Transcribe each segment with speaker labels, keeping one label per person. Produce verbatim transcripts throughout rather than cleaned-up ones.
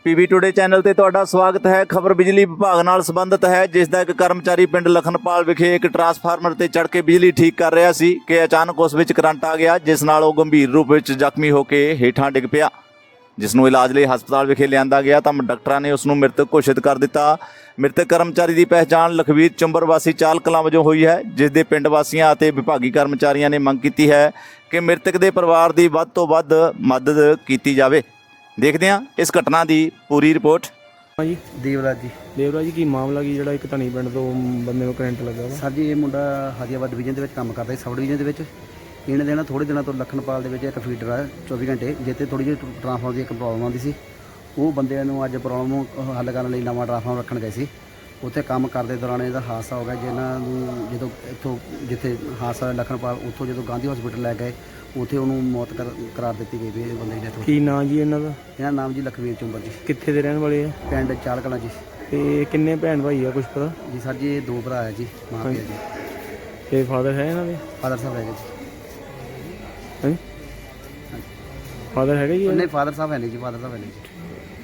Speaker 1: PB today channel ਤੇ ਤੁਹਾਡਾ ਸਵਾਗਤ ਹੈ। ਖਬਰ ਬਿਜਲੀ ਵਿਭਾਗ ਨਾਲ ਸੰਬੰਧਿਤ ਹੈ, ਜਿਸ ਦਾ ਇੱਕ ਕਰਮਚਾਰੀ ਪਿੰਡ ਲਖਨਪਾਲ ਵਿਖੇ ਇੱਕ ਟਰਾਂਸਫਾਰਮਰ ਤੇ ਚੜ੍ਹ ਕੇ ਬਿਜਲੀ ਠੀਕ ਕਰ ਰਿਹਾ ਸੀ ਕਿ ਅਚਾਨਕ ਉਸ ਵਿੱਚ ਕਰੰਟ ਆ ਗਿਆ, ਜਿਸ ਨਾਲ ਉਹ ਗੰਭੀਰ ਰੂਪ ਵਿੱਚ ਜ਼ਖਮੀ ਹੋ ਕੇ ਹੇਠਾਂ ਡਿੱਗ ਪਿਆ, ਜਿਸ ਨੂੰ ਇਲਾਜ ਲਈ ਹਸਪਤਾਲ ਵਿਖੇ ਲਿਆਂਦਾ ਗਿਆ ਤਾਂ ਡਾਕਟਰਾਂ ਨੇ ਉਸ ਨੂੰ ਮ੍ਰਿਤਕ ਘੋਸ਼ਿਤ ਕਰ ਦਿੱਤਾ। ਮ੍ਰਿਤਕ ਕਰਮਚਾਰੀ ਦੀ ਪਹਿਚਾਣ ਲਖਵੀਰ ਚੁੰਬਰ ਵਾਸੀ ਚਾਲ ਕਲਾਂ ਵਜੋਂ ਹੋਈ ਹੈ, ਜਿਸ ਦੇ ਪਿੰਡ ਵਾਸੀਆਂ ਅਤੇ ਵਿਭਾਗੀ ਕਰਮਚਾਰੀਆਂ ਨੇ ਮੰਗ ਕੀਤੀ ਹੈ ਕਿ ਮ੍ਰਿਤਕ ਦੇ ਪਰਿਵਾਰ ਦੀ ਵੱਧ ਤੋਂ ਵੱਧ ਮਦਦ ਕੀਤੀ ਜਾਵੇ। ਦੇਖਦੇ ਹਾਂ ਇਸ ਘਟਨਾ ਦੀ ਪੂਰੀ ਰਿਪੋਰਟ।
Speaker 2: ਜੀ
Speaker 3: ਦੇਵਰਾਜ ਜੀ
Speaker 2: ਦੇਵਰਾਜ ਜੀ, ਕੀ ਮਾਮਲਾ ਕੀ ਜਿਹੜਾ ਇੱਕ ਧਨੀ ਪਿੰਡ ਤੋਂ ਬੰਦੇ ਨੂੰ ਕਰੰਟ ਲੱਗਾ ਵਾ?
Speaker 3: ਸਰ ਜੀ, ਇਹ ਮੁੰਡਾ ਹਾਦੀਆਬਾਦ ਡਿਵੀਜ਼ਨ ਦੇ ਵਿੱਚ ਕੰਮ ਕਰਦਾ ਸੀ, ਸਬ ਡਿਵੀਜ਼ਨ ਦੇ ਵਿੱਚ। ਇਹਨੇ ਦਿਨ ਥੋੜ੍ਹੇ ਦਿਨਾਂ ਤੋਂ ਲਖਨਪਾਲ ਦੇ ਵਿੱਚ ਇੱਕ ਫੀਡਰ ਆ ਚੌਵੀ ਘੰਟੇ, ਜਿੱਥੇ ਥੋੜ੍ਹੀ ਜਿਹੀ ਟਰਾਂਸਫਾਰਮਰ ਦੀ ਇੱਕ ਪ੍ਰੋਬਲਮ ਆਉਂਦੀ ਸੀ। ਉਹ ਬੰਦਿਆਂ ਨੂੰ ਅੱਜ ਪ੍ਰੋਬਲਮ ਹੱਲ ਕਰਨ ਲਈ ਨਵਾਂ ਟਰਾਂਸਫਾਰਮਰ ਰੱਖਣ ਗਏ ਸੀ। ਉੱਥੇ ਕੰਮ ਕਰਦੇ ਦੌਰਾਨ ਇਹਦਾ ਹਾਦਸਾ ਹੋ ਗਿਆ, ਜਿਹਨਾਂ ਨੂੰ ਜਦੋਂ ਇੱਥੋਂ ਜਿੱਥੇ ਹਾਦਸਾ ਹੋਇਆ ਲਖਨਪਾਲ, ਉੱਥੋਂ ਜਦੋਂ ਗਾਂਧੀ ਹਸਪੀਟਲ ਲੈ ਗਏ, ਉੱਥੇ ਉਹਨੂੰ ਮੌਤ ਕਰ ਕਰਾਰ ਦਿੱਤੀ ਗਈ ਵੀ ਇਹ ਬੰਦੇ ਦੀ ਡੈਥ ਹੋ ਗਈ।
Speaker 2: ਕੀ ਨਾਂ ਜੀ ਇਹਨਾਂ ਦਾ?
Speaker 3: ਇਹਨਾਂ ਨਾਮ ਜੀ ਲਖਵੀਰ ਚੁੰਬਰ ਜੀ,
Speaker 2: ਕਿੱਥੇ ਦੇ ਰਹਿਣ ਵਾਲੇ ਆ?
Speaker 3: ਪਿੰਡ ਚਾਲ ਕਲਾਂ ਜੀ।
Speaker 2: ਤੇ ਕਿੰਨੇ ਭੈਣ ਭਾਈ ਆ, ਕੁਝ ਪਤਾ?
Speaker 3: ਜੀ ਸਰ ਜੀ, ਇਹ ਦੋ ਭਰਾ ਹੈ ਜੀ, ਮਾਂ ਪਿਓ ਜੀ।
Speaker 2: ਤੇ ਫਾਦਰ ਹੈ ਇਹਨਾਂ ਦੇ?
Speaker 3: ਫਾਦਰ ਸਾਹਿਬ ਹੈਗੇ ਜੀ।
Speaker 2: ਹਾਂਜੀ, ਫਾਦਰ ਹੈਗਾ ਜੀ?
Speaker 3: ਨਹੀਂ, ਫਾਦਰ ਸਾਹਿਬ ਹੈ ਨਹੀਂ ਜੀ, ਫਾਦਰ ਸਾਹਿਬ ਹੈ ਨਹੀਂ ਜੀ।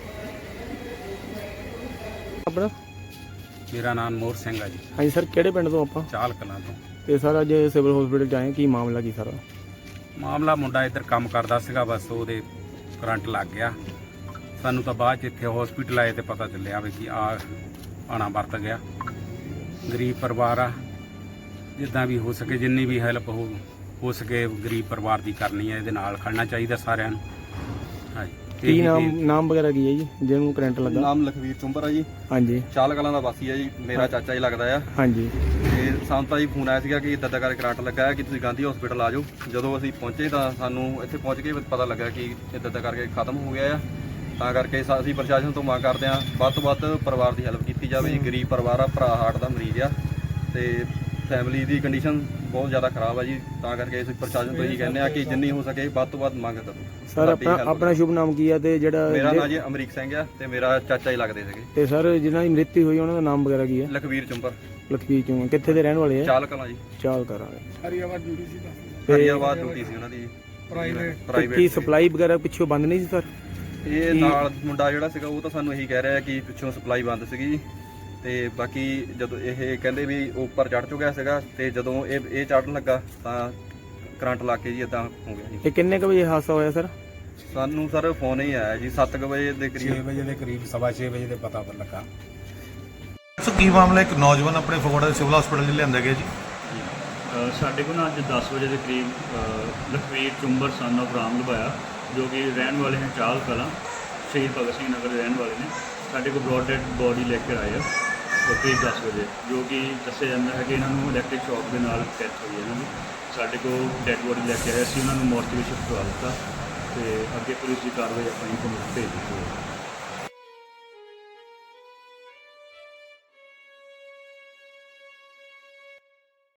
Speaker 2: ਆਪਣਾ?
Speaker 4: ਮੇਰਾ ਨਾਮ ਮੋਹਰ ਸਿੰਘ ਆ ਜੀ।
Speaker 2: ਹਾਂਜੀ ਸਰ, ਕਿਹੜੇ ਪਿੰਡ ਤੋਂ ਆਪਾਂ?
Speaker 4: ਚਾਲ ਕਲਾਂ ਤੋਂ।
Speaker 2: ਤੇ ਸਰ ਅੱਜ ਸਿਵਲ ਹਸਪੀਟਲ 'ਚ ਆਏ, ਕੀ ਮਾਮਲਾ ਕੀ ਸਾਰਾ?
Speaker 4: ਮਾਮਲਾ ਮੁੰਡਾ ਇੱਧਰ ਕੰਮ ਕਰਦਾ ਸੀਗਾ, ਬਸ ਉਹਦੇ ਕਰੰਟ ਲੱਗ ਗਿਆ। ਸਾਨੂੰ ਤਾਂ ਬਾਅਦ 'ਚ ਇੱਥੇ ਹਸਪੀਟਲ ਆਏ ਤੇ ਪਤਾ ਚੱਲਿਆ ਵੀ ਕਿ ਆ ਆਣਾ ਵਰਤ ਗਿਆ। ਗਰੀਬ ਪਰਿਵਾਰ ਆ, ਜਿੱਦਾਂ ਵੀ ਹੋ ਸਕੇ ਜਿੰਨੀ ਵੀ ਹੈਲਪ ਹੋ ਹੋ ਸਕੇ ਗਰੀਬ ਪਰਿਵਾਰ ਦੀ ਕਰਨੀ ਹੈ। ਇਹਦੇ ਨਾਲ ਖੜਨਾ ਚਾਹੀਦਾ ਸਾਰਿਆਂ ਨੂੰ। ਹਾਂਜੀ,
Speaker 2: ਕੀ ਨਾਮ ਨਾਮ ਵਗੈਰਾ ਕੀ ਹੈ ਜੀ ਜਿਹਨੂੰ ਕਰੰਟ ਲੱਗਾ?
Speaker 5: ਨਾਮ ਲਖਵੀਰ ਚੁੰਬਰ ਆ ਜੀ।
Speaker 2: ਹਾਂਜੀ,
Speaker 5: ਚਾਲ ਕਲਾਂ ਦਾ ਵਾਸੀ ਆ ਜੀ, ਮੇਰਾ ਚਾਚਾ ਜੀ ਲੱਗਦਾ ਆ।
Speaker 2: ਹਾਂਜੀ।
Speaker 5: ਤੇ ਸਾਨੂੰ ਤਾਂ ਜੀ ਫੋਨ ਆਇਆ ਸੀਗਾ ਕਿ ਇੱਦਾਂ ਦਾ ਕਰਕੇ ਕਰੰਟ ਲੱਗਾ ਹੈ ਕਿ ਤੁਸੀਂ ਗਾਂਧੀ ਹਸਪੀਟਲ ਆ ਜਾਓ। ਜਦੋਂ ਅਸੀਂ ਪਹੁੰਚੇ ਤਾਂ ਸਾਨੂੰ ਇੱਥੇ ਪਹੁੰਚ ਕੇ ਪਤਾ ਲੱਗਾ ਕਿ ਇੱਦਾਂ ਦਾ ਕਰਕੇ ਖਤਮ ਹੋ ਗਿਆ ਆ। ਤਾਂ ਕਰਕੇ ਅਸੀਂ ਪ੍ਰਸ਼ਾਸਨ ਤੋਂ ਮੰਗ ਕਰਦੇ ਹਾਂ ਵੱਧ ਤੋਂ ਵੱਧ ਪਰਿਵਾਰ ਦੀ ਹੈਲਪ ਕੀਤੀ ਜਾਵੇ। ਗਰੀਬ ਪਰਿਵਾਰ ਆ, ਭਰਾ ਹਾਰਟ ਦਾ ਮਰੀਜ਼ ਆ ਤੇ ਫੈਮਿਲੀ ਦੀ ਕੰਡੀਸ਼ਨ ਬਹੁਤ ਜ਼ਿਆਦਾ ਖਰਾਬ ਆ ਜੀ। ਤਾਂ ਕਰਕੇ ਅਸੀਂ ਪ੍ਰਸ਼ਾਸਨ ਤੋਂ ਇਹੀ ਕਹਿੰਦੇ ਆ ਕਿ ਜਿੰਨੀ ਹੋ ਸਕੇ ਵੱਧ ਤੋਂ ਵੱਧ ਮੰਗ ਕਰੋ।
Speaker 2: ਸਰ ਆਪਣਾ ਆਪਣਾ ਸ਼ੁਭ ਨਾਮ ਕੀ ਆ ਤੇ ਜਿਹੜਾ?
Speaker 5: ਮੇਰਾ ਨਾਮ ਜੀ ਅਮਰੀਕ ਸਿੰਘ ਆ ਤੇ ਮੇਰਾ ਚਾਚਾ ਹੀ ਲੱਗਦੇ ਸੀਗੇ।
Speaker 2: ਤੇ ਸਰ ਜਿਨ੍ਹਾਂ ਦੀ ਮ੍ਰਿਤੂ ਹੋਈ ਉਹਨਾਂ ਦਾ ਨਾਮ ਵਗੈਰਾ ਕੀ ਹੈ?
Speaker 5: ਲਖਵੀਰ ਚੁੰਬਰ।
Speaker 2: ਲਖਵੀਰ ਚੋਂ ਕਿੱਥੇ ਦੇ ਰਹਿਣ ਵਾਲੇ ਆ?
Speaker 5: ਚਾਲ ਕਲਾਂ ਜੀ।
Speaker 2: ਚਾਲ ਕਰਾਂਗੇ।
Speaker 5: ਹਰੀਆਬਾਦ ਡਿਊਟੀ ਸੀ ਉਹਨਾਂ ਦੀ ਪ੍ਰਾਈਵੇਟ।
Speaker 2: ਕੀ ਸਪਲਾਈ ਵਗੈਰਾ ਪਿੱਛੋਂ ਬੰਦ ਨਹੀਂ ਸੀ ਸਰ?
Speaker 5: ਇਹ ਨਾਲ ਮੁੰਡਾ ਜਿਹੜਾ ਸੀਗਾ ਉਹ ਤਾਂ ਸਾਨੂੰ ਇਹੀ ਕਹਿ ਰਿਹਾ ਕਿ ਪਿੱਛੋਂ ਸਪਲਾਈ ਬੰਦ ਸੀਗੀ ਜੀ। ਤੇ ਬਾਕੀ ਜਦੋਂ ਇਹ ਕਹਿੰਦੇ ਵੀ ਉੱਪਰ ਚੜ੍ਹ ਚੁੱਕਿਆ ਸੀਗਾ ਤੇ ਜਦੋਂ ਇਹ ਇਹ ਚੜ੍ਹਨ ਲੱਗਾ ਤਾਂ ਕਰੰਟ ਲੱਗ ਕੇ ਜੀ ਇਦਾਂ ਹੋ ਗਿਆ ਜੀ।
Speaker 2: ਇਹ ਕਿੰਨੇ ਕੁ ਵਜੇ ਹਾਦਸਾ ਹੋਇਆ ਸਰ?
Speaker 5: ਸਾਨੂੰ ਸਰ ਫੋਨ ਹੀ ਆਇਆ ਜੀ ਸੱਤ ਕੁ ਵਜੇ ਦੇ ਕਰੀਬ।
Speaker 4: ਛੇ ਵਜੇ ਦੇ ਕਰੀਬ, ਸਵਾ ਛੇ ਵਜੇ ਦੇ ਪਤਾ ਲੱਗਾ।
Speaker 6: ਸੋ ਕੀ ਮਾਮਲਾ? ਇੱਕ ਨੌਜਵਾਨ ਆਪਣੇ ਫਗਵਾੜਾ ਦੇ ਸਿਵਲ ਹਸਪੀਟਲ 'ਚ ਲਿਆਂਦਾ ਗਿਆ ਜੀ।
Speaker 7: ਅ, ਸਾਡੇ ਕੋਲ ਨਾ ਅੱਜ ਦਸ ਵਜੇ ਦੇ ਕਰੀਬ ਅ, ਲਖਵੀਰ ਚੁੰਬਰ ਸਨ ਆਫ ਰਾਮ ਲਵਾਇਆ, ਜੋ ਕਿ ਰਹਿਣ ਵਾਲੇ ਹਨ ਚਾਲ ਕਲਾਂ, ਸ਼ਹੀਦ ਭਗਤ ਸਿੰਘ ਨਗਰ ਦੇ ਰਹਿਣ ਵਾਲੇ ਨੇ। ਸਾਡੇ ਕੋਲ ਬ੍ਰੌਡ ਡੈਡ ਬੋਡੀ ਲੈ ਕੇ ਆਏ ਆ ਕਰੀਬ ਦਸ ਵਜੇ, ਜੋ ਕਿ ਦੱਸਿਆ ਜਾਂਦਾ ਹੈ ਕਿ ਇਹਨਾਂ ਨੂੰ ਇਲੈਕਟ੍ਰਿਕ ਸ਼ੌਕ ਦੇ ਨਾਲ ਡੈਥ ਹੋਈ ਹੈ ਇਹਨਾਂ ਦੀ। ਸਾਡੇ ਕੋਲ ਡੈਡ ਬੋਡੀ ਲੈ ਕੇ ਆਏ ਸੀ, ਉਹਨਾਂ ਨੂੰ ਮੋਰਚਰੀ ਸ਼ਿਫਟ ਕਰਵਾ ਦਿੱਤਾ ਤੇ ਅੱਗੇ ਪੁਲਿਸ ਦੀ ਕਾਰਵਾਈ ਆਪਣੀ ਕੋਲ ਭੇਜ ਦਿੱਤੀ।